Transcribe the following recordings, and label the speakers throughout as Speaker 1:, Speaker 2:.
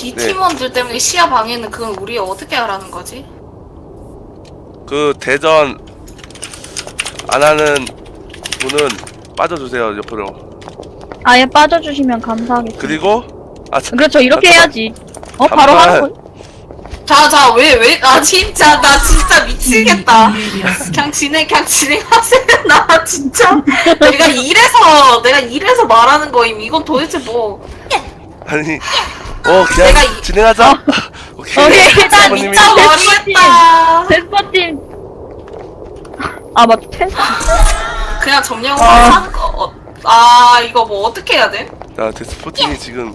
Speaker 1: 네
Speaker 2: 네.
Speaker 1: 팀원들 때문에 시야 방해는 그건 우리 어떻게 하라는 거지?
Speaker 2: 그 대전 안 하는 분은 빠져주세요 옆으로.
Speaker 3: 아예 빠져주시면 감사하겠습니다.
Speaker 2: 그리고
Speaker 3: 그렇죠, 이렇게
Speaker 2: 잠깐만.
Speaker 3: 해야지. 바로
Speaker 2: 잠깐만.
Speaker 3: 하는 거.
Speaker 1: 자, 나 진짜 미치겠다. 그냥 진행하세요. 나 진짜. 내가 이래서 말하는 거임. 이건 도대체 뭐.
Speaker 2: 아니 그냥
Speaker 1: 내가
Speaker 2: 진행하자. 오케이.
Speaker 3: 오케이, 일단
Speaker 2: 사모님이
Speaker 1: 진짜 모르겠다.
Speaker 3: 데스퍼팀. 아, 맞다, 테스트.
Speaker 1: 그냥 점령을
Speaker 3: 아.
Speaker 1: 하는 거. 이거 뭐 어떻게 해야 돼?
Speaker 2: 자 데스포팅이 지금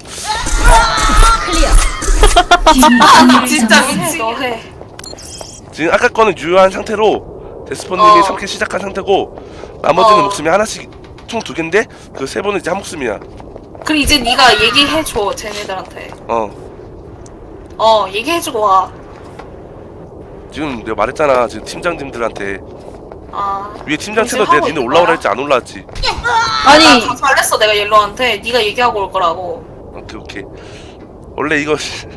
Speaker 1: 나 진짜 미치겠네.
Speaker 2: 지금 아까 거는 유효한 상태로 데스포님이 3킬 시작한 상태고 나머지는 목숨이 하나씩 총 2개인데 그 3번은 이제 한 목숨이야.
Speaker 1: 그럼 이제 네가 얘기해줘 쟤네들한테. 얘기해주고 와.
Speaker 2: 지금 내가 말했잖아. 지금 팀장님들한테 위에 팀장
Speaker 1: 지금
Speaker 2: 채널 내가
Speaker 1: 하고
Speaker 2: 니네
Speaker 1: 있는
Speaker 2: 올라오라
Speaker 1: 거야?
Speaker 2: 했지 안 올라왔지?
Speaker 3: 아니,
Speaker 1: 다 말했어 내가 옐로한테. 네가 얘기하고 올 거라고.
Speaker 2: 오케이 원래 이거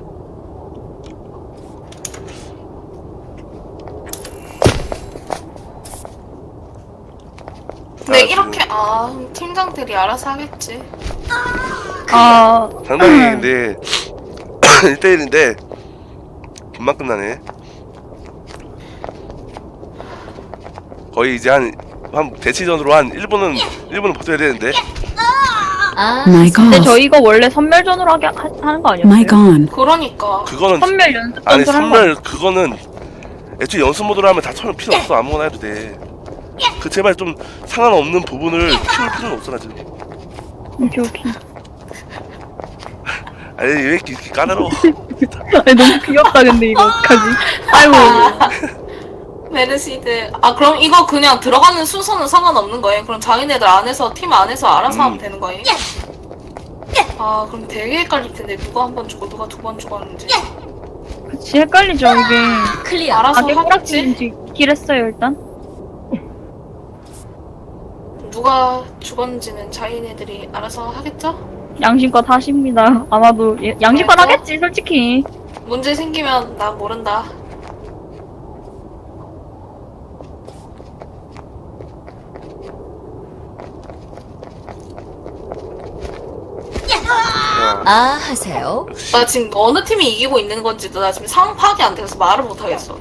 Speaker 1: 근데
Speaker 2: 아,
Speaker 1: 이렇게 팀장들이 알아서 하겠지.
Speaker 2: 상당히 근데 1대1인데 금방 끝나네. 거의 이제 한 대치전으로 한 1분은 버텨야 되는데.
Speaker 4: My
Speaker 3: 근데
Speaker 4: God.
Speaker 3: 저 이거 원래 선멸전으로 하는 거 아니었어요?
Speaker 4: My God.
Speaker 1: 그러니까.
Speaker 2: 그거는
Speaker 3: 선멸 연습
Speaker 2: 아니
Speaker 3: 전술 한거
Speaker 2: 선멸 그거는 애초에 연습 모드로 하면 다 처음 필요 없어. 아무거나 해도 돼. 그 제발 좀 상관없는 부분을 키울 필요는 없어 나 지금.
Speaker 3: 오케이.
Speaker 2: 아니 왜 이렇게 까다로워.
Speaker 3: 아니, 너무 귀엽다, 근데 이거 어떡하지? 아이고.
Speaker 1: 메르시드. 그럼 이거 그냥 들어가는 순서는 상관없는 거예요? 그럼 자기네들 안에서 팀 안에서 알아서 하면 되는 거예요? 그럼 되게 헷갈릴 텐데 누가 한 번 죽고 누가 2번 죽었는지.
Speaker 3: 그치, 헷갈리죠, 이게.
Speaker 1: 알아서 하겠지?
Speaker 3: 깨꼬락지 길했어요, 일단.
Speaker 1: 누가 죽었는지는 자기네들이 알아서 하겠죠?
Speaker 3: 양심껏 하십니다. 아마도 양심껏
Speaker 1: 알죠?
Speaker 3: 하겠지, 솔직히.
Speaker 1: 문제 생기면 난 모른다.
Speaker 4: 하세요.
Speaker 1: 나 지금 어느 팀이 이기고 있는 건지도 나 지금 상황 파악이 안 돼서 말을 못 하겠어.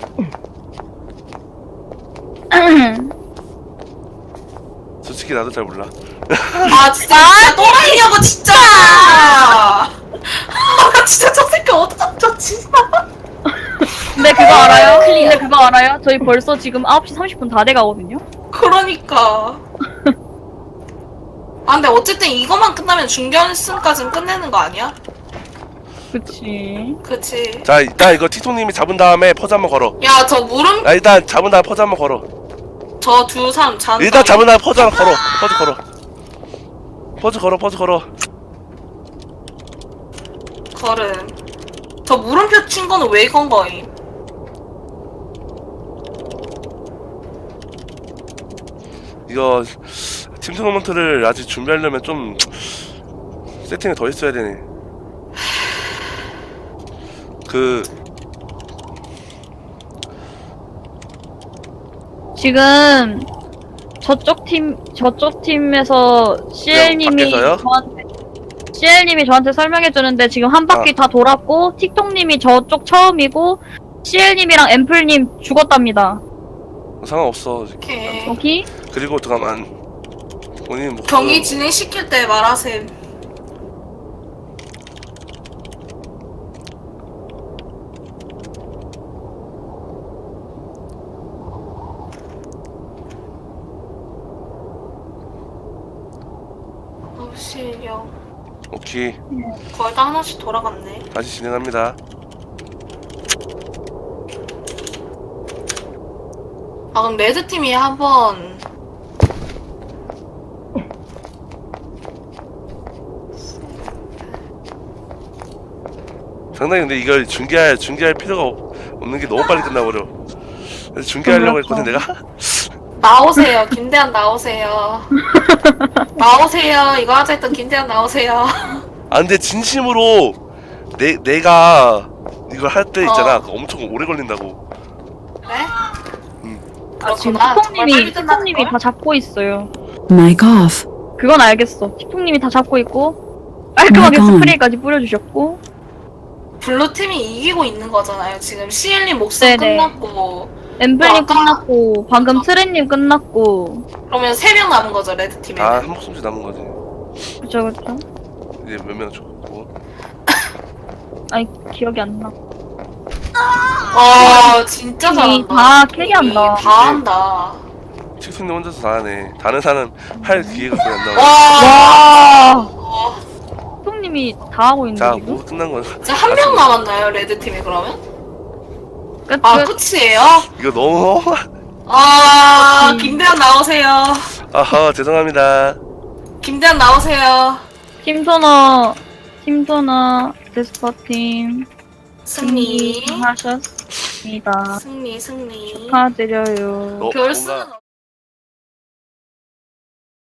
Speaker 2: 솔직히 나도 잘 몰라.
Speaker 1: 진짜 또라이냐고 진짜. 진짜 저 새끼 어떡하죠 진짜.
Speaker 3: 근데 그거 알아요? 근데 그거 알아요? 저희 벌써 지금 9시 30분 다 돼가거든요?
Speaker 1: 그러니까. 근데 어쨌든 이거만 끝나면 준결승까지는 끝내는 거 아니야?
Speaker 3: 그치.
Speaker 1: 그치.
Speaker 2: 자 일단 이거 티토님이 잡은 다음에 퍼즈 한번 걸어.
Speaker 1: 야 저 물음
Speaker 2: 일단 잡은 다음에 퍼즈 한번 걸어.
Speaker 1: 저 두 사람 잔.
Speaker 2: 일단 잡은 다음에 퍼즈 한번 걸어. 퍼즈 걸어.
Speaker 1: 걸음. 저 물음표 친 거는 왜 건 거임?
Speaker 2: 이거 팀 토너먼트를 아직 준비하려면 좀 세팅을 더 했어야 되네.
Speaker 3: 지금 저쪽 팀에서 CL님이
Speaker 2: 밖에서요?
Speaker 3: 저한테 설명해주는데 지금 한 바퀴 다 돌았고 틱톡님이 저쪽 처음이고 CL님이랑 앰플님 죽었답니다.
Speaker 2: 상관없어.
Speaker 1: 오케이.
Speaker 3: 오케이?
Speaker 2: 그리고 잠깐만 본인 목숨
Speaker 1: 경기 진행시킬 때 말하셈. 실력.
Speaker 2: 오케이
Speaker 1: 거의 다 하나씩 돌아갔네.
Speaker 2: 다시 진행합니다.
Speaker 1: 그럼 레드팀이 한번
Speaker 2: 상당히 근데 이걸 중계할 필요가 없는 게 너무 빨리 끝나버려. 그래서 중계하려고 했거든 내가.
Speaker 1: 나오세요. 김대한 나오세요. 나오세요. 이거 하자 했던 김대한 나오세요.
Speaker 2: 근데 진심으로 내가 이걸 할 때 있잖아. 그거 엄청 오래 걸린다고.
Speaker 1: 그래?
Speaker 3: 아, 지금
Speaker 1: 그렇구나. 정말 빨리
Speaker 3: 티통님이
Speaker 1: 끝나는
Speaker 3: 다 잡고 있어요.
Speaker 5: Mic off.
Speaker 3: 그건 알겠어. 티통님이 다 잡고 있고 깔끔하게
Speaker 5: 잠깐.
Speaker 3: 스프레이까지 뿌려주셨고.
Speaker 1: 블루 팀이 이기고 있는 거잖아요. 지금 시엘님 목숨
Speaker 3: 네네.
Speaker 1: 끝났고
Speaker 3: 엠블님
Speaker 1: 아까-
Speaker 3: 끝났고 방금 트렌님 끝났고.
Speaker 1: 그러면 3명 남은 거죠 레드 팀에.
Speaker 2: 아, 한 목숨씩 남은 거지.
Speaker 3: 그쵸 그쵸.
Speaker 2: 이제 몇 명 죽었고.
Speaker 3: 아니 기억이 안 나.
Speaker 1: 와 진짜
Speaker 3: 팀이
Speaker 1: 잘한다.
Speaker 3: 다 캐리한다.
Speaker 1: 다 한다.
Speaker 2: 칙순님 혼자서 다 하네. 다른 사람 할 기회가 거의 안 나와.
Speaker 1: 와.
Speaker 3: 와. 티통님이 다 하고 있는데
Speaker 2: 자,
Speaker 3: 지금.
Speaker 2: 뭐 끝난 거야.
Speaker 1: 진짜 한 명 남았나요 레드 팀에 그러면?
Speaker 3: 끝.
Speaker 1: 아 끝이에요?
Speaker 2: 이거 너무
Speaker 1: 아 김대한 나오세요.
Speaker 2: 아하 죄송합니다.
Speaker 1: 김대한 나오세요.
Speaker 3: 팀소나 데스퍼팀
Speaker 1: 승리.
Speaker 3: 하셨습니다.
Speaker 1: 승리.
Speaker 3: 축하드려요.
Speaker 2: 뭔가-
Speaker 1: 별수는